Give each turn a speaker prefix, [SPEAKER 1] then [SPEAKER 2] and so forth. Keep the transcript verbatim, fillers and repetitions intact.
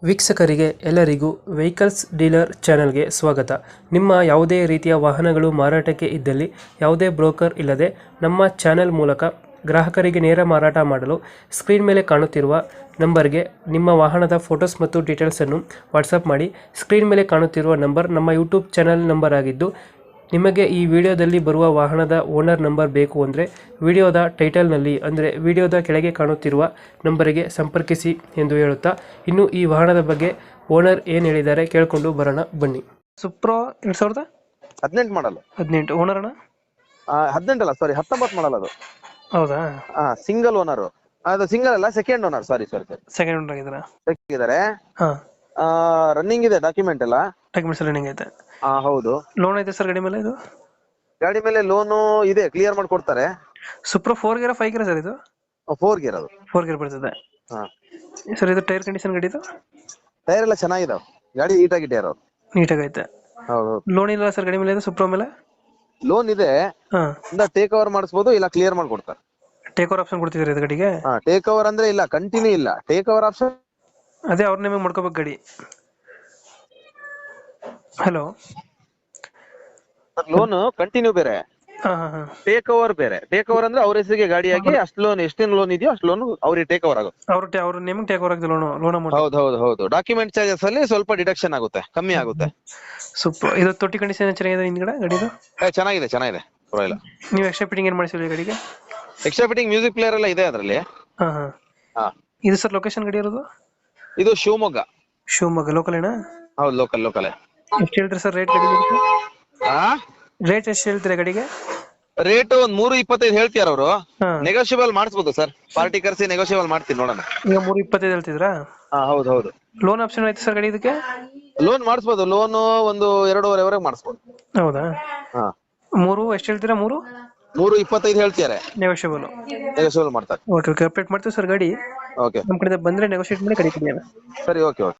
[SPEAKER 1] ವೀಕ್ಷಕರಿಗೆ ಎಲ್ಲರಿಗೂ vehicles dealer ಚಾನೆಲ್ಗೆ ಸ್ವಾಗತ. ನಿಮ್ಮ ಯಾವುದೇ ರೀತಿಯ ವಾಹನಗಳು ಮಾರಾಟಕ್ಕೆ ಇದ್ದಲ್ಲಿ ಯಾವುದೇ ಬ್ರೋಕರ್ ಇಲ್ಲದೆ ನಮ್ಮ ಚಾನೆಲ್ ಮೂಲಕ ಗ್ರಾಹಕರಿಗೆ ನೇರ ಮಾರಾಟ ಮಾಡಲು ಸ್ಕ್ರೀನ್ ಮೇಲೆ ಕಾಣುತ್ತಿರುವ ನಂಬರ್ಗೆ ನಿಮ್ಮ ವಾಹನದ ಫೋಟೋಸ್ ಮತ್ತು ಡೀಟೇಲ್ಸನ್ನು ವಾಟ್ಸಪ್ ಮಾಡಿ. ಸ್ಕ್ರೀನ್ ಮೇಲೆ ಕಾಣುತ್ತಿರುವ ನಂಬರ್ ನಮ್ಮ ಯೂಟ್ಯೂಬ್ ಚಾನೆಲ್ ನಂಬರ್ ಆಗಿದ್ದು, ನಿಮಗೆ ಈ ವಿಡಿಯೋದಲ್ಲಿ ಬರುವ ವಾಹನದ ಓನರ್ ನಂಬರ್ ಬೇಕು ಅಂದರೆ ವಿಡಿಯೋದ ಟೈಟಲ್ನಲ್ಲಿ ಅಂದರೆ ವಿಡಿಯೋದ ಕೆಳಗೆ ಕಾಣುತ್ತಿರುವ ನಂಬರಿಗೆ ಸಂಪರ್ಕಿಸಿ ಎಂದು ಹೇಳುತ್ತಾ, ಇನ್ನು ಈ ವಾಹನದ ಬಗ್ಗೆ ಓನರ್ ಏನು ಹೇಳಿದ್ದಾರೆ ಕೇಳಿಕೊಂಡು ಬರೋಣ ಬನ್ನಿ. ಸುಪ್ರೋ ಎರಡ್ ಸಾವಿರದ
[SPEAKER 2] ಹದಿನೆಂಟು ಮಾಡಲ್ಲ
[SPEAKER 1] ಹದಿನೆಂಟು ಓನರ್ ಅಣ್ಣ?
[SPEAKER 2] ಹದಿನೆಂಟು ಅಲ್ಲ ಸಾರಿ ಹತ್ತೊಂಬತ್ತು ಮಾಡಲ್ಲ ಅದು.
[SPEAKER 1] ಹೌದಾ?
[SPEAKER 2] ಸಿಂಗಲ್ ಓನರ್ ಅದು. ಸಿಂಗಲ್ ಅಲ್ಲ, second owner. Sorry sorry sorry
[SPEAKER 1] second owner ಆಗಿದ್ದಾರೆ.
[SPEAKER 2] ಇದಾರೆ.
[SPEAKER 1] ಹಾ,
[SPEAKER 2] ರನ್ನಿಂಗ್ ಇದೆ ಡಾಕ್ಯುಮೆಂಟ್ ಎಲ್ಲ.
[SPEAKER 1] ಡಾಕ್ಯುಮೆಂಟ್ಸ್ ಎಲ್ಲ ರನ್ನಿಂಗ್ ಐತೆ.
[SPEAKER 2] ಹಾ ಹೌದು.
[SPEAKER 1] ಲೋನ್ ಐತೆ ಸರ್ ಗಾಡಿ ಮೇಲೆ? ಇದು
[SPEAKER 2] ಗಾಡಿ ಮೇಲೆ ಲೋನು ಇದೆ, ಕ್ಲಿಯರ್ ಮಾಡ್ಕೊಡ್ತಾರೆ.
[SPEAKER 1] Supro four gear five gear sir? ಇದು
[SPEAKER 2] ಫೋರ್ ಗೇರ್ ಅದು.
[SPEAKER 1] ಫೋರ್ ಗೇರ್ ಬರ್ತದೆ.
[SPEAKER 2] ಹಾ
[SPEAKER 1] ಸರ್ ಇದು ಟೈರ್ ಕಂಡೀಷನ್ ಗಾಡಿ? ಇದು
[SPEAKER 2] ಟೈರ್ ಎಲ್ಲ ಚೆನ್ನಾಗಿದಾವ, ಗಾಡಿ ನೀಟಾಗಿ ಟೈರ್ ಅವ್ರು.
[SPEAKER 1] ನೀಟಾಗಿ ಐತೆ.
[SPEAKER 2] ಹೌದು.
[SPEAKER 1] ಲೋನ್ ಇಲ್ಲ ಸರ್ ಗಾಡಿ ಮೇಲೆ? ಇದು ಸುಪ್ರೋ ಮೇಲೆ
[SPEAKER 2] ಲೋನ್ ಇದೆ,
[SPEAKER 1] ಹಾ,
[SPEAKER 2] ಟೇಕ್ ಓವರ್ ಮಾಡಿಸ್ಬೋದು, ಇಲ್ಲ ಕ್ಲಿಯರ್ ಮಾಡ್ಕೊಡ್ತಾರೆ.
[SPEAKER 1] ಟೇಕ್ ಓವರ್ ಆಪ್ಷನ್ ಕೊಡ್ತಿದ್ದಾರೆ ಇದು ಗಾಡಿಗೆ?
[SPEAKER 2] ಹಾ, ಟೇಕ್ ಓವರ್ ಅಂದ್ರೆ ಇಲ್ಲ, ಕಂಟಿನ್ಯೂ ಇಲ್ಲ, ಟೇಕ್ ಓವರ್ ಆಪ್ಷನ್.
[SPEAKER 1] ಅದೇ ಅವ್ರ ನಿಮಗೆ ಮಾಡ್ಕೋಬೇಕು ಗಾಡಿ. ಹಲೋ,
[SPEAKER 2] ಲೋನ್ ಕಂಟಿನ್ಯೂ ಬೇರೆ,
[SPEAKER 1] ಹಾ ಹಾ ಹಾ
[SPEAKER 2] ಟೇಕ್ ಓವರ್ ಬೇರೆ. ಟೇಕ್ ಓವರ್ ಅಂದ್ರೆ ಅವ್ರ ಹೆಸರಿಗೆ ಗಾಡಿಯಾಗಿ ಅಷ್ಟು ಲೋನ್, ಎಷ್ಟೇನು ಲೋನ್ ಇದೆಯೋ ಅಷ್ಟು ಲೋನ್ ಅವ್ರಿಗೆ ಟೇಕ್ ಓವರ್ ಆಗುತ್ತೆ.
[SPEAKER 1] ಅವ್ರ ಅವ್ರ ನೇಮಿಗೆ ಟೇಕ್ ಓವರ್ ಆಗಿದೆ ಲೋನ್ ಲೋನ್ ಅಮೌಂಟ್.
[SPEAKER 2] ಹೌದು ಹೌದು ಹೌದು. ಡಾಕ್ಯುಮೆಂಟ್ ಚಾರ್ಜಸ್ ಅಲ್ಲಿ ಸ್ವಲ್ಪ ಡಿಡಕ್ಷನ್ ಆಗುತ್ತೆ, ಕಮ್ಮಿ ಆಗುತ್ತೆ.
[SPEAKER 1] ಸೂಪರ್. ಇದು ತೊಟ್ಟಿ ಕಂಡೀಷನ್ ಚೆನ್ನಾಗಿದೆ ಹಿಂದ್ಗಡೆ ಗಾಡಿದು?
[SPEAKER 2] ಏ, ಚೆನ್ನಾಗಿದೆ ಚೆನ್ನಾಗಿದೆ, ಪರವಾಗಿಲ್ಲ.
[SPEAKER 1] ನೀವು ಎಕ್ಸ್ಟ್ರಾ ಫಿಟ್ಟಿಂಗ್ ಏನ್ ಮಾಡಿಸಿಲ್ಲ ಗಾಡಿಗೆ?
[SPEAKER 2] ಎಕ್ಸ್ಟ್ರಾ ಫಿಟ್ಟಿಂಗ್ ಮ್ಯೂಸಿಕ್ ಪ್ಲೇಯರ್ ಎಲ್ಲ ಇದೆ ಅದರಲ್ಲಿ.
[SPEAKER 1] ಹಾ ಹಾ
[SPEAKER 2] ಹಾ,
[SPEAKER 1] ಇದು ಸರ್ ಲೊಕೇಶನ್ ಗಾಡಿ ಇರೋದು?
[SPEAKER 2] ಇದು ಶಿವಮೊಗ್ಗ.
[SPEAKER 1] ಶಿವಮೊಗ್ಗ ಲೋಕಲ್ ಏನಾ?
[SPEAKER 2] ಹೌದು, ಲೋಕಲ್ ಲೋಕಲ್.
[SPEAKER 1] ಎಷ್ಟು ಹೇಳ್ತೀರಿ ಸರ್ ರೇಟ್ ಗಾಡಿ?
[SPEAKER 2] ಹಾ,
[SPEAKER 1] ರೇಟ್ ಎಷ್ಟು ಹೇಳ್ತೀರಾ ಗಾಡಿಗೆ?
[SPEAKER 2] ರೇಟ್ ಒಂದ್ ಮೂರು ಇಪ್ಪತ್ತೈದು ಹೇಳ್ತಿಯಾರ ಅವರು.
[SPEAKER 1] ಹಾ,
[SPEAKER 2] ನೆಗೋಷಿಯಬಲ್ ಮಾಡಿಸ್ಬೋದು ಸರ್, ಪಾರ್ಟಿ ಕರ್ಸಿ ನೆಗೋಷಿಯಬಲ್ ಮಾಡ್ತೀನಿ, ನೋಡೋಣ.
[SPEAKER 1] ಈಗ ಮೂರು ಇಪ್ಪತ್ತೈದು ಹೇಳ್ತಿದ್ರಾ?
[SPEAKER 2] ಹಾ ಹೌದು ಹೌದು.
[SPEAKER 1] ಲೋನ್ ಆಪ್ಷನ್ ಐತೆ ಸರ್ ಗಾಡಿ ಇದಕ್ಕೆ?
[SPEAKER 2] ಲೋನ್ ಮಾಡಿಸ್ಬೋದು, ಲೋನ್ ಒಂದು ಎರಡೂವರೆವರೆಗೆ ಮಾಡಿಸ್ಬೋದು.
[SPEAKER 1] ಹೌದಾ?
[SPEAKER 2] ಹಾ,
[SPEAKER 1] ಮೂರು ಎಷ್ಟು ಹೇಳ್ತೀರಾ? ಮೂರು
[SPEAKER 2] ಮೂರು ಇಪ್ಪತ್ತೈದು ಹೇಳ್ತಿದ್ದಾರೆ,
[SPEAKER 1] ನೆಗೋಷಿಯಬಲ್.
[SPEAKER 2] ನೆಗೋಷಿಯಬಲ್ ಮಾಡ್ತಾರೆ.
[SPEAKER 1] ಓಕೆ ಓಕೆ, ಅಪ್ಡೇಟ್ ಮಾಡ್ತೀವಿ ಸರ್ ಗಾಡಿ.
[SPEAKER 2] ಓಕೆ,
[SPEAKER 1] ನಮ್ಮ ಕಡೆ ಬಂದ್ರೆ ನೆಗೋಷಿಯೇಟ್ ಮಾಡಿ ಗಾಡಿ ಕೊಡಿ.
[SPEAKER 2] ಸರಿ, ಓಕೆ ಓಕೆ.